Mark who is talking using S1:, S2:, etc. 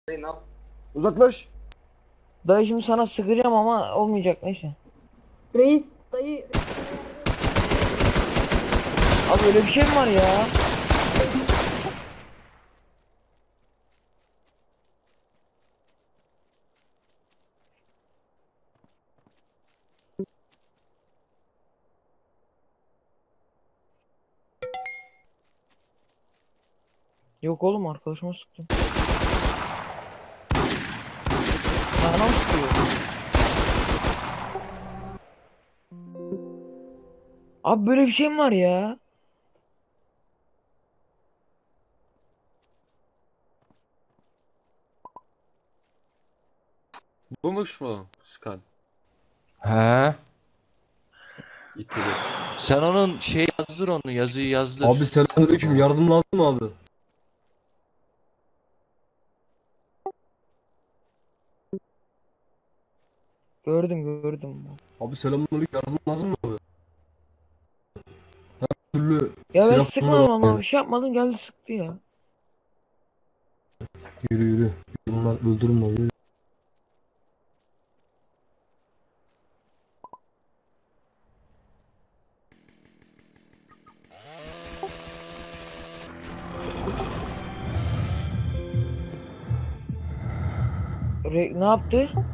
S1: Ne yap?
S2: Uzaklaş.
S3: Dayı şimdi sana sıkacağım ama olmayacak, neyse.
S4: Reis dayı.
S3: Abi öyle bir şey mi var ya? Yok oğlum, arkadaşıma sıktım. Bana mı sıkıyor? Abi böyle bir şey mi var ya?
S1: Bumuş mu Skan?
S5: He.
S1: İtili.
S5: Sen onun yazdır, onu yazıyı yazdır.
S2: Abi selamünaleyküm. Yardım lazım mı abi?
S3: Gördüm.
S2: Abi selamünaleyküm. Yardım lazım mı abi? Her türlü
S3: Ya ben
S2: silah
S3: sıkmadım
S2: kullanıyorum.
S3: ama bir şey yapmadım, geldi sıktı ya.
S2: Yürü. Bunlar öldürün lan. Yürü.
S3: Ne yaptı?